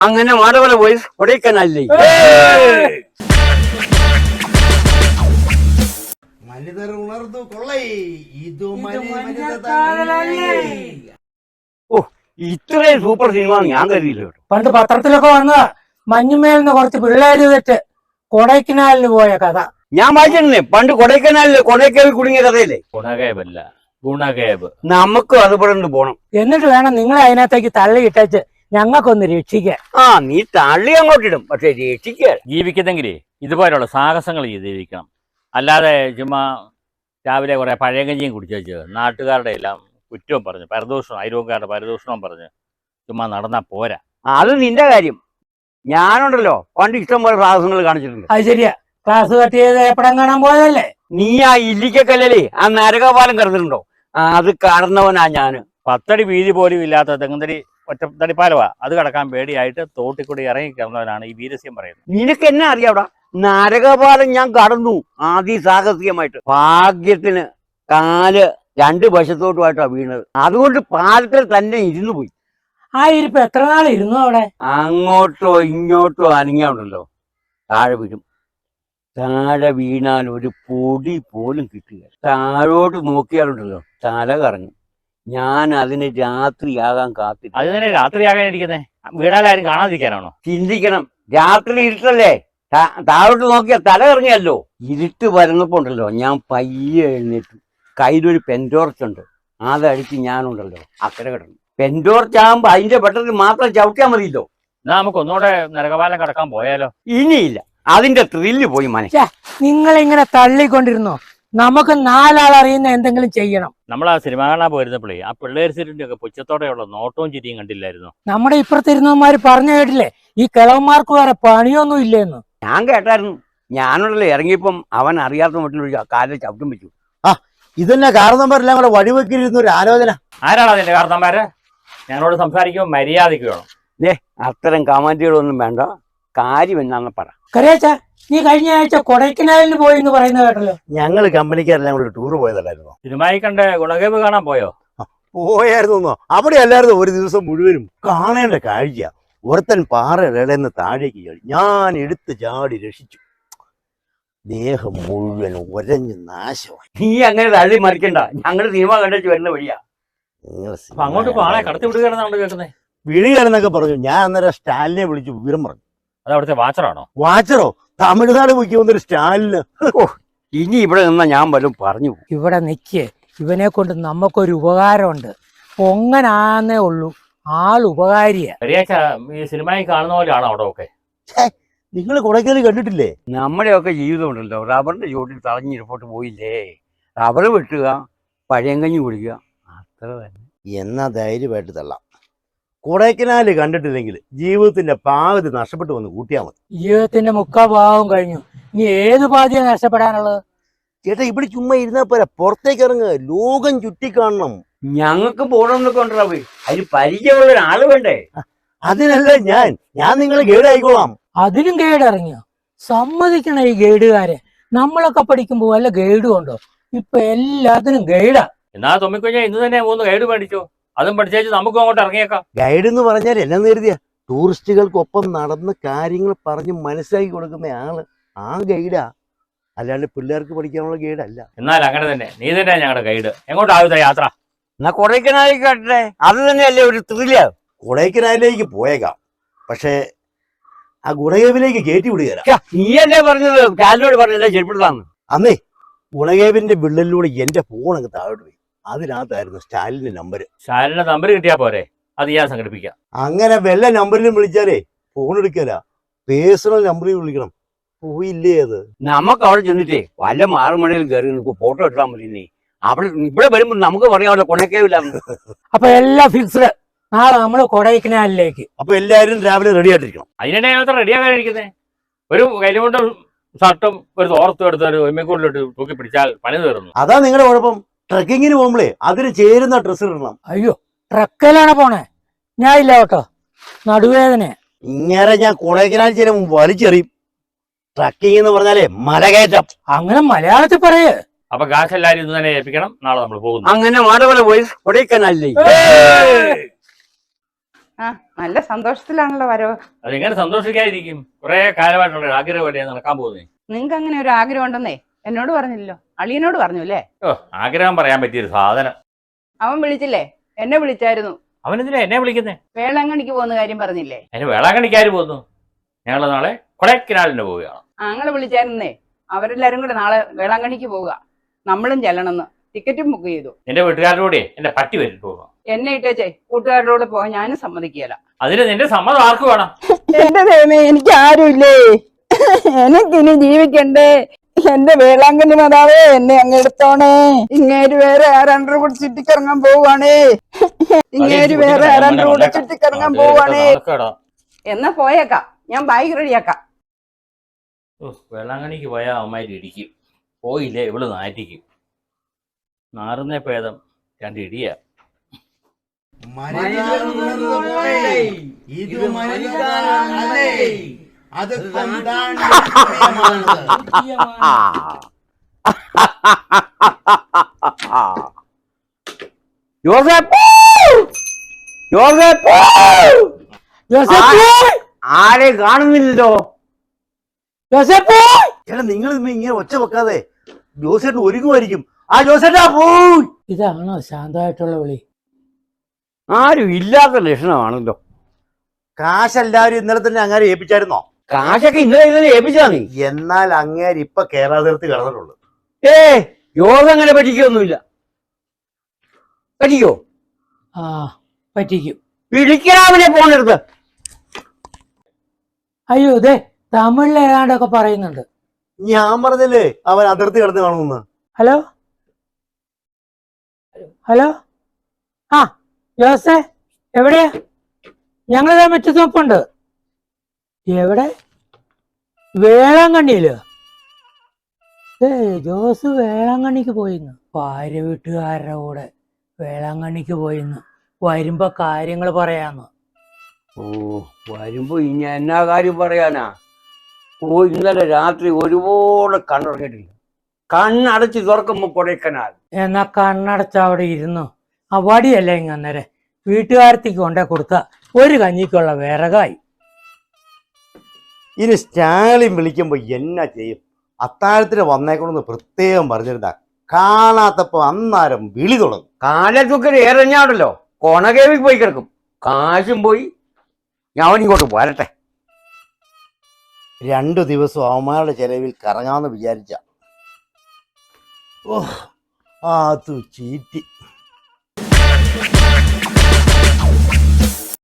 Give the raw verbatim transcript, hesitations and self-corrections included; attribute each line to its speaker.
Speaker 1: അങ്ങനെ മാടവല പോയി കൊടൈക്കനാലിലേ
Speaker 2: മനിതർ ഉണർന്നു കൊള്ളൈ ഇതു
Speaker 1: ഓ ഇത്രയും സൂപ്പർ സിനിമ ഞാൻ കരുതിയില്ല കേട്ടോ.
Speaker 3: പണ്ട് പത്രത്തിലൊക്കെ വന്നതാ മഞ്ഞുമേൽന്ന് കുറച്ച് പിള്ളേര് തെറ്റ് കൊടൈക്കനാലിന് പോയ കഥ.
Speaker 1: ഞാൻ വായിച്ചിരുന്നേ പണ്ട് കൊടൈക്കനാലില് കൊടൈക്കനാൽ കുടുങ്ങിയ കഥയില്ലേ.
Speaker 4: ഗുണകേബല്ല ഗുണകേബ്.
Speaker 1: നമുക്കും അതുപോലെ ഒന്ന് പോണം.
Speaker 3: എന്നിട്ട് വേണം നിങ്ങളെ അതിനകത്തേക്ക് തള്ളിയിട്ടേച്ച് ഞങ്ങൾക്കൊന്ന് രക്ഷിക്കാൻ.
Speaker 1: ആ നീ തള്ളി അങ്ങോട്ടിടും, പക്ഷെ രക്ഷിക്കാൻ
Speaker 4: ജീവിക്കുന്നെങ്കിലേ ഇതുപോലുള്ള സാഹസങ്ങൾ ചെയ്ത് ജീവിക്കണം. അല്ലാതെ ചുമ്മാ രാവിലെ കുറെ പഴയകഞ്ഞിയും കുടിച്ചു വെച്ച് നാട്ടുകാരുടെ എല്ലാം കുറ്റവും പറഞ്ഞ് പരദൂഷണം അയൽവക്കാരുടെ പരദൂഷണവും പറഞ്ഞ് ചുമ്മാ നടന്നാ പോരാ.
Speaker 1: അത് നിന്റെ കാര്യം. ഞാനുണ്ടല്ലോ പണ്ട് ഇഷ്ടം പോലെ സാഹസങ്ങൾ കാണിച്ചിട്ടുണ്ട്.
Speaker 3: അത് ശരിയാ, ക്ലാസ് കട്ട് ചെയ്ത് എപ്പടം കാണാൻ പോയതല്ലേ.
Speaker 1: നീ ആ ഇല്ലിക്കല്ലല്ലേ ആ നരകപാലം കടന്നിട്ടുണ്ടോ? ആ അത് കടന്നവനാ ഞാന്.
Speaker 4: പത്തടി വീതി പോലും ഇല്ലാത്ത തെങ്ങുതടി ഒറ്റത്തടിപ്പാലവാ, അത് കടക്കാൻ പേടിയായിട്ട് തോട്ടിക്കൂടി ഇറങ്ങി കിടന്നവനാണ് ഈ വീരസ്യം പറയുന്നത്.
Speaker 1: നിനക്ക് എന്നെ അറിയാവടാ, നരകപാലം ഞാൻ കടന്നു അതിസാഹസികമായിട്ട്. ഭാഗ്യത്തിന് കാല് രണ്ട് വശത്തോട്ടുമായിട്ടാ വീണത്. അതുകൊണ്ട് പാലത്തിൽ തന്നെ ഇരുന്നു പോയി.
Speaker 3: ആ ഇരിപ്പ് എത്ര നാൾ ഇരുന്നു അവിടെ?
Speaker 1: അങ്ങോട്ടോ ഇങ്ങോട്ടോ അനങ്ങിയാണ്ടല്ലോ താഴെ വീഴും. താഴെ വീണാൽ ഒരു പൊടി പോലും കിട്ടുക. താഴോട്ട് നോക്കിയാലുണ്ടല്ലോ തല കറങ്ങും. ഞാൻ അതിന് രാത്രിയാകാൻ കാത്തില്ല.
Speaker 4: അത് തന്നെ രാത്രിയാകാൻ ഇരിക്കുന്നേ, വീടാലാരും കാണാതിരിക്കാനാണോ?
Speaker 1: ചിന്തിക്കണം, രാത്രി ഇരുട്ടല്ലേ, താഴോട്ട് നോക്കിയാൽ തല കറങ്ങിയല്ലോ. ഇരുട്ട് വരുന്നപ്പോ ഉണ്ടല്ലോ ഞാൻ പയ്യെ എഴുന്നേറ്റു. കയ്യിലൊരു പെൻറ്റോർച്ചുണ്ട്, അതടിച്ച് ഞാനുണ്ടല്ലോ അക്കരെ കിടന്നു. പെൻറ്റോർച്ച് ആകുമ്പോ അതിന്റെ പെട്ടെന്ന് മാത്രം ചവിട്ടിയാൽ മതിയല്ലോ.
Speaker 4: എന്നാ നമുക്ക് ഒന്നുകൂടെ നരകപാലം കടക്കാൻ പോയാലോ?
Speaker 1: ഇനിയില്ല, അതിന്റെ ത്രില്ല് പോയി മനസ്സിൽ.
Speaker 3: നിങ്ങളിങ്ങനെ തള്ളിക്കൊണ്ടിരുന്നോ? നമുക്ക് നാലാൾ അറിയുന്ന എന്തെങ്കിലും ചെയ്യണം.
Speaker 4: നമ്മൾ ആ സിനിമ കാണാൻ പോയിരുന്നപ്പോഴേ ആ പിള്ളേർ സിറ്റിന്റെ ഒക്കെ പുച്ഛത്തോടെയുള്ള നോട്ടവും ചിരിയും കണ്ടില്ലായിരുന്നു?
Speaker 3: നമ്മുടെ ഇപ്പുറത്തിരുന്നവന്മാര് പറഞ്ഞു കേട്ടില്ലേ ഈ കിളവന്മാർക്ക് വേറെ പണിയൊന്നും ഇല്ലെന്ന്.
Speaker 1: ഞാൻ കേട്ടായിരുന്നു. ഞാനുണ്ടല്ലോ ഇറങ്ങിയപ്പം അവൻ അറിയാത്ത മട്ടിലൊരു കാലിൽ ചവിട്ടും വെച്ചു.
Speaker 2: ആ ഇതന്നെ കാരണവന്മാരെല്ലാം കൂടെ വഴിവെക്കിരുന്ന ഒരു ആലോചന.
Speaker 4: ആരാണ് അതിന്റെ കാരണന്മാര്? ഞങ്ങളോട് സംസാരിക്കുമ്പോൾ മര്യാദയ്ക്ക് വേണം.
Speaker 1: ഏ അത്തരം കമാൻഡുകളൊന്നും വേണ്ട, കാര്യം എന്നാന്ന് പറ.
Speaker 3: കരേച്ച, നീ കഴിഞ്ഞ ആഴ്ച കൊടൈക്കനാലിന് പോയി എന്ന് പറയുന്ന കേട്ടല്ലോ.
Speaker 2: ഞങ്ങള് കമ്പനിക്കാരെല്ലാം കൂടെ ടൂർ പോയതല്ലായിരുന്നോ?
Speaker 4: സിനിമയിൽ കണ്ട് ഗുണകേബ് കാണാൻ പോയോ?
Speaker 2: പോയായിരുന്നോ? അവിടെ അല്ലായിരുന്നു ഒരു ദിവസം മുഴുവനും. കാണേണ്ട കാഴ്ച. ഒരുത്തൻ പാറയുടെ നിന്ന് താഴേക്ക് ചാടി, ഞാൻ എടുത്ത് ചാടി രക്ഷിച്ചു. ദേഹം മുഴുവൻ ഒരഞ്ഞ് നാശമായി.
Speaker 1: നീ അങ്ങനെ തള്ളി മറിക്കണ്ട, ഞങ്ങള് സിനിമ കണ്ടു വരുന്ന വഴിയാ.
Speaker 4: അപ്പൊ അങ്ങോട്ട് പാളെ കടത്തി വിടുകയാണെന്നാണ് കേൾക്കുന്നത്.
Speaker 2: വിളിയാണെന്നൊക്കെ പറഞ്ഞു. ഞാൻ അന്നേരം സ്റ്റാലിനെ വിളിച്ചു വിവരം പറഞ്ഞു.
Speaker 4: അത് അവിടുത്തെ വാച്ചറാണോ?
Speaker 2: വാച്ചറോ? തമിഴ്നാട് മുഖ്യ വന്നൊരു സ്റ്റാലിന്.
Speaker 1: ഇനി ഇവിടെ നിന്നാ ഞാൻ വല്ലതും പറഞ്ഞു.
Speaker 3: ഇവിടെ നിൽക്കേ, ഇവനെ കൊണ്ട് നമുക്കൊരു ഉപകാരമുണ്ട്. പൊങ്ങനാന്നേ ഉള്ളൂ, ആൾ ഉപകാരിയാ.
Speaker 4: ഈ സിനിമയിൽ കാണുന്ന പോലെയാണോ അവിടെ ഒക്കെ?
Speaker 2: നിങ്ങൾ കൊടൈക്കനാല് കണ്ടിട്ടില്ലേ?
Speaker 1: നമ്മുടെയൊക്കെ ജീവിതം ഉണ്ടല്ലോ റബ്ബറിന്റെ ചുവട്ടിൽ തളഞ്ഞിരിപ്പോട്ട് പോയില്ലേ. റബ്ബർ വെട്ടുക, പഴയങ്കഞ്ഞി കുടിക്കുക, അത്ര തന്നെ.
Speaker 2: എന്നാ ധൈര്യമായിട്ട് തള്ളാം. കൊടൈക്കനാല് കണ്ടിട്ടില്ലെങ്കിൽ ജീവിതത്തിന്റെ പാതി നഷ്ടപ്പെട്ടു വന്ന് കൂട്ടിയാൽ മതി.
Speaker 3: ജീവിതത്തിന്റെ മുക്കാ ഭാഗം കഴിഞ്ഞു, ഇനി ഏത് പാതിയാ നഷ്ടപ്പെടാനുള്ളത്?
Speaker 2: ചേട്ടാ ഇവിടെ ചുമ്മാ ഇരുന്നാ പോരാ, പുറത്തേക്ക് ഇറങ്ങുക, ലോകം ചുറ്റിക്കാണണം.
Speaker 1: ഞങ്ങൾക്ക് പോകണമെന്നൊക്കെ ഉണ്ടാ പോയി, അതിന് പരിചയമുള്ള ഒരാള് വേണ്ടേ?
Speaker 2: അതിനല്ല ഞാൻ ഞാൻ നിങ്ങളെ ഗൈഡ് ആയിക്കോളാം.
Speaker 3: അതിനും ഗൈഡ് ഇറങ്ങിയോ? സമ്മതിക്കണ ഈ ഗൈഡുകാരെ. നമ്മളൊക്കെ പഠിക്കുമ്പോ വല്ല ഗൈഡും ഉണ്ടോ? ഇപ്പൊ എല്ലാത്തിനും ഗൈഡാ.
Speaker 4: എന്നാ തൊമ്മിക്കുഞ്ഞ ഇന്ന് തന്നെ മൂന്ന് ഗൈഡ് മേടിച്ചോ, അതും പഠിച്ചേച്ച് നമുക്കും അങ്ങോട്ട് ഇറങ്ങിയേക്കാം.
Speaker 2: ഗൈഡ് എന്ന് പറഞ്ഞാൽ എന്നെ കരുതിയ ടൂറിസ്റ്റുകൾക്കൊപ്പം നടന്ന് കാര്യങ്ങൾ പറഞ്ഞ് മനസ്സിലാക്കി കൊടുക്കുന്ന ആള് ആ ഗൈഡാ, അല്ലാണ്ട് പിള്ളേർക്ക് പഠിക്കാനുള്ള ഗൈഡ് അല്ല.
Speaker 4: എന്നാൽ അങ്ങനെ തന്നെ, നീ തന്നെ ഞങ്ങളുടെ ഗൈഡ്. എങ്ങോട്ടാവുന്ന യാത്ര?
Speaker 1: എന്നാ കൊടൈക്കനാലിൽ കേട്ടെ, അത് തന്നെയല്ലേ ഒരു ത്രില്ല്.
Speaker 2: കൊടൈക്കനാലിലേക്ക് പോയേക്കാം, പക്ഷേ ആ ഗുണകേവിലേക്ക് കയറ്റി വിടുകയല്ല.
Speaker 1: നീയല്ലേ പറഞ്ഞത് കാലിനോട് പറഞ്ഞല്ലേ ചെരുപ്പിടുത്താന്ന്?
Speaker 2: അന്നേ ഗുണകേവിന്റെ വിള്ളലിലൂടെ എന്റെ ഫോൺ അങ്ങ് താഴോട്ട് പോയി. അതിനകത്തായിരുന്നു സ്റ്റാലിന്റെ നമ്പർ.
Speaker 4: സ്റ്റാലിന്റെ നമ്പർ കിട്ടിയാ പോരെ, അത് ഞാൻ സംഘടിപ്പിക്കാം.
Speaker 2: അങ്ങനെ വല്ല നമ്പറിലും വിളിച്ചാലേ ഫോൺ എടുക്കല, പേഴ്സണൽ നമ്പറിൽ വിളിക്കണം. പോയില്ലേ അത്?
Speaker 1: നമുക്ക് അവിടെ ചെന്നിട്ടേ വല്ല മാറുമണയിൽ കയറി നമുക്ക് ഫോട്ടോ എടുത്താൽ മതി. നീ അവിടെ ഇവിടെ വരുമ്പോ നമുക്ക് പറയാമല്ലോ കൊണക്കേവില്ല.
Speaker 3: അപ്പൊ എല്ലാം ഫിക്സ്ഡ്. നാളെ നമ്മള് കൊടൈക്കനാലിലേക്ക്.
Speaker 2: അപ്പൊ എല്ലാരും രാവിലെ റെഡി ആയിട്ടിരിക്കണം.
Speaker 4: അതിനെ മാത്രം റെഡിയാകാനിരിക്കുന്നേ. ഒരു കൈലുകൊണ്ടും ഷർട്ടും ഒരു തോർത്തും എടുത്ത് ഒരു ഒമ്മക്കൂടിലിട്ട് തൂക്കി പിടിച്ചാൽ പണി തീർന്നു.
Speaker 2: അതാ നിങ്ങളുടെ കുഴപ്പം. ട്രക്കിങ്ങിന് പോകുമ്പോഴേ അതിന് ചേരുന്ന ഡ്രസ്സ് ഇടണം.
Speaker 3: അയ്യോ, ട്രക്കിലാണ് പോണേ, ഞാൻ ഇല്ല കേട്ടോ, നടുവേദന.
Speaker 2: ഇങ്ങനെ ഞാൻ കൊടൈക്കനാൽ ചില വലിച്ചെറിയും. ട്രക്കിംഗ് എന്ന് പറഞ്ഞാലേ മലകയറ്റം.
Speaker 3: അങ്ങനെ മലയാളത്തിൽ പറയേ.
Speaker 4: അപ്പൊ കാശ് എല്ലാരും ഇന്ന് തന്നെ ഏൽപ്പിക്കണം. നാളെ നമ്മൾ പോകുന്നു.
Speaker 1: അങ്ങനെ മാടവല പോയി കൊടൈക്കനാലിലേക്ക്.
Speaker 5: ആ നല്ല സന്തോഷത്തിലാണല്ലോ വരവ്.
Speaker 4: അതെങ്ങനെ സന്തോഷിക്കാതിരിക്കും? കുറെ കാലമായിട്ടുള്ള ആഗ്രഹമല്ലേ നടക്കാൻ പോകുന്നേ.
Speaker 5: നിങ്ങൾക്ക് അങ്ങനെ ഒരു ആഗ്രഹം ഉണ്ടെന്നേ എന്നോട് പറഞ്ഞില്ലല്ലോ, അളിയനോട് പറഞ്ഞു അല്ലേ?
Speaker 4: ഓ, ആഗ്രഹം പറയാൻ പറ്റിയൊരു സാധനം.
Speaker 5: അവൻ വിളിച്ചില്ലേ? എന്നെ വിളിച്ചായിരുന്നു.
Speaker 4: അവനെന്തിനാ എന്നെ വിളിക്കുന്നേ?
Speaker 5: വേളാങ്കണ്ണിക്ക് പോകുന്ന കാര്യം പറഞ്ഞില്ലേ?
Speaker 4: അതിന് വേളാങ്കണ്ണിക്കാര് പോകുന്നു. ഞങ്ങൾ നാളെ കൊടൈക്കനാലിന് പോവുകയാണ്.
Speaker 5: ആങ്ങളെ വിളിച്ചായിരുന്നേ. അവരെല്ലാരും കൂടെ നാളെ വേളാങ്കണ്ണിക്ക് പോവുക. നമ്മളും ചെല്ലണമെന്ന് ടിക്കറ്റും ബുക്ക് ചെയ്തു.
Speaker 4: എന്റെ വീട്ടുകാരുടെ കൂടെ എന്റെ പട്ടി വരും പോകും.
Speaker 5: എന്നെ ഇട്ടേച്ചേ കൂട്ടുകാരുടെ കൂടെ പോകാൻ ഞാനും സമ്മതിക്കുകയില്ല.
Speaker 4: അതിന് നിന്റെ സമ്മതം ആർക്ക് വേണം?
Speaker 5: എന്റെ ദൈവമേ, എനിക്ക് ആരുമില്ലേ? എനിക്കിനി ജീവിക്കണ്ടേ? എന്റെ വേളാങ്കണ്ണി മാതാവേ, എന്നെ അങ്ങ് എടുത്തോണേ. ഇങ്ങേര് വേറെ ആരാണ്ടോ കൂടെ ചുറ്റിക്കറങ്ങാൻ പോവാണേ. ഇങ്ങേര് വേറെ ആരാണ്ടോ കൂടെ ചുറ്റിക്കറങ്ങാൻ പോവാണേ. എന്നാ പോയേക്കാം, ഞാൻ ബാഗ് റെഡിയാക്കാം.
Speaker 4: വേളാങ്കണ്ണിക്ക് പോയാൽ അമ്മമാര് ഇടിക്കും. പോയില്ലേ ഇവള് നാറ്റിക്കും. നാറുന്നേ ഭേദം രണ്ട് ഇടിയാ.
Speaker 1: ജോസഫ് ജോസഫ് ആരെയും കാണുന്നില്ലല്ലോ.
Speaker 3: ജോസഫ്,
Speaker 2: എടാ നിങ്ങൾ ഇങ്ങനെ ഒച്ച വെക്കാതെ ജോസേട്ടൻ ഒരുങ്ങുമായിരിക്കും. ആ ജോസേട്ടാ പോയി.
Speaker 3: ഇതാണോ ശാന്തമായിട്ടുള്ള വിളി?
Speaker 1: ആരും ഇല്ലാത്ത ലക്ഷണമാണല്ലോ.
Speaker 2: കാശ് എല്ലാവരും ഇന്നലെ തന്നെ അങ്ങാരെ ഏൽപ്പിച്ചായിരുന്നോ?
Speaker 1: കാശൊക്കെ ഇന്നലെ ഇന്നലെ ഏൽപ്പിച്ചാ നീ.
Speaker 2: എന്നാൽ അങ്ങേര് ഇപ്പൊ കേരള തീർത്ത് കിടന്നിട്ടുള്ളൂ.
Speaker 1: ഏ യോഗ അങ്ങനെ പറ്റിക്കൊന്നുമില്ല. പറ്റിക്കോ?
Speaker 3: ആ പറ്റിക്കും.
Speaker 1: വിളിക്കാവിനെ പോണെടുത്ത്.
Speaker 3: അയ്യോ ഇതേ തമിഴിൽ ഏതാണ്ടൊക്കെ പറയുന്നുണ്ട്.
Speaker 2: ഞാൻ പറഞ്ഞല്ലേ അവൻ അതിർത്തി കിടന്ന് കാണുമെന്ന്.
Speaker 3: ഹലോ ഹലോ ആ ജോസേ, എവിടെയാ? ഞങ്ങളിതാ മുറ്റത്തോപ്പുണ്ട്. എവിടെ? വേളാങ്കണ്ണിയില്. ഏ ജോസ് വേളാങ്കണ്ണിക്ക് പോയിന്ന്. ഭാര്യ വീട്ടുകാരുടെ കൂടെ വേളാങ്കണ്ണിക്ക് പോയിന്ന്. വരുമ്പോ കാര്യങ്ങൾ പറയാന്ന്.
Speaker 1: ഓ വരുമ്പോ ഇനി എന്നാ കാര്യം പറയാനാ? ഓ ഇന്നലെ രാത്രി ഒരുപാട് കണ്ണുറങ്ങിയിട്ടില്ല. കണ്ണടച്ച് തുറക്കുമ്പോ കൊടൈക്കനാൽ.
Speaker 3: എന്നാ കണ്ണടച്ച അവിടെ ഇരുന്നു. ആ വടിയല്ലേ ഇങ്ങ അന്നേരം വീട്ടുകാരത്തേക്ക് കൊണ്ടേ കൊടുത്ത ഒരു കഞ്ഞിക്കുള്ള വിറകായി.
Speaker 2: ഇനി സ്റ്റാലിൻ വിളിക്കുമ്പോ എന്നാ ചെയ്യും? അത്താഴത്തിന് വന്നേക്കണമെന്ന് പ്രത്യേകം പറഞ്ഞിരുന്ന കാണാത്തപ്പോ അന്നേരം വിളി തുടങ്ങും.
Speaker 1: കാലത്തൊക്കെ ഏറെഞ്ഞാണല്ലോ, കൊണകേവിക്ക് പോയി കിടക്കും. കാശും പോയി. ഞാൻ ഇങ്ങോട്ട് പോരട്ടെ.
Speaker 2: രണ്ടു ദിവസം അവന്മാരുടെ ചെലവിൽ കറങ്ങാമെന്ന് വിചാരിച്ച ഓ ആ ചീറ്റി.